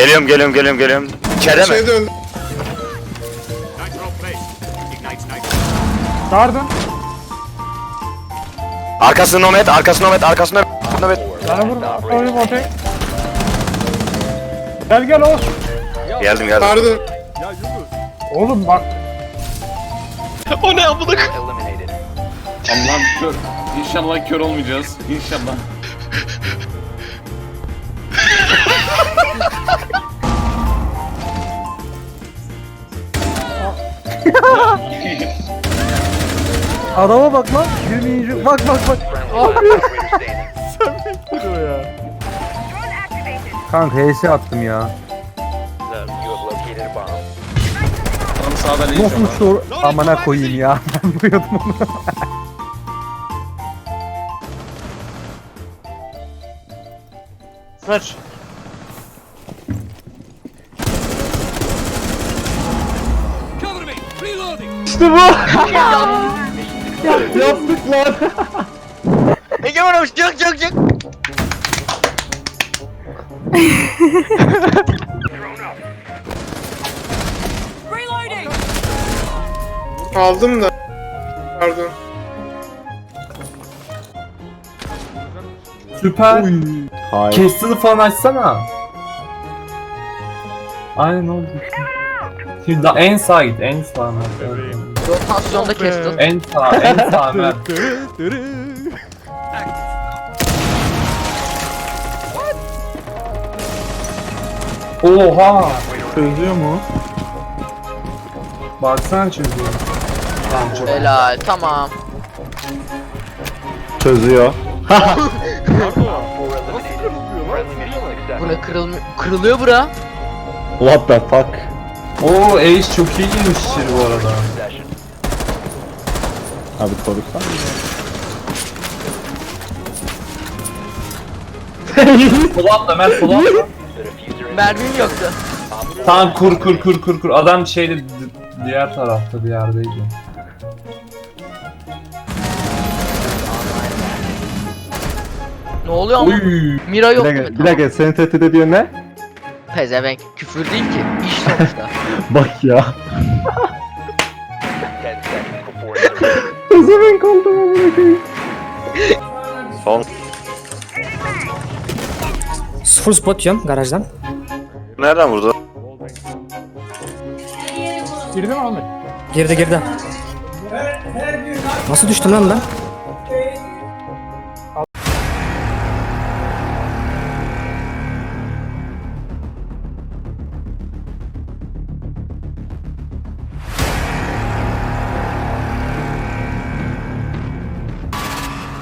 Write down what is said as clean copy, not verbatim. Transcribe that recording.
Geliyorum. İçeride mi? Şey döndü. Dardım. Arkası Nomad. Nomad. Bana vurma. Koyayım ortaya. Gel Oğuz. Geldim. Pardon. Oğlum bak. O ne amına koyayım? Allah'ım kör. İnşallah kör olmayacağız. İnşallah. Adama bak lan. 20. Bak. Kanka HS attım ya. Tam sağdan Nasıl ineceğim. uçtu? Amına koyayım ya. Ben vuruyordum onu. Ver. İşte bu. Yaptık lan. Egemen abi çık. Aldım da. Pardon. Süper. Castle'ı falan açsana. Aynen oldu. Şimdi en sağa git, en sağa. Rotasyonda kestin. En sağ Mert. Oha! Çözüyor mu? Baksana çözüyor. Tamam çok. Helal tamam. Çözüyor. Bura kırılıyor bura. What the fuck? Oo Ace çok iyi girmiş içeri bu arada. Abi koruksan. Sola atla Mert, sola atla. Mermim yoktu. Tamam kur. Adam şeyde diğer tarafta bir yerdeydi. Ne oluyor ama? Uy. Mira yok değil mi? Bir dakika seni tehdit ediyor ne? Pezevenk. Küfür değil ki. İş sonuçta. Bak ya. Pezevenk kaldım amına koyayım. Son. Full spot yiyorum garajdan. Nereden vurdu? Girdi mi Ahmet? Girdi. Nasıl düştüm lan ben?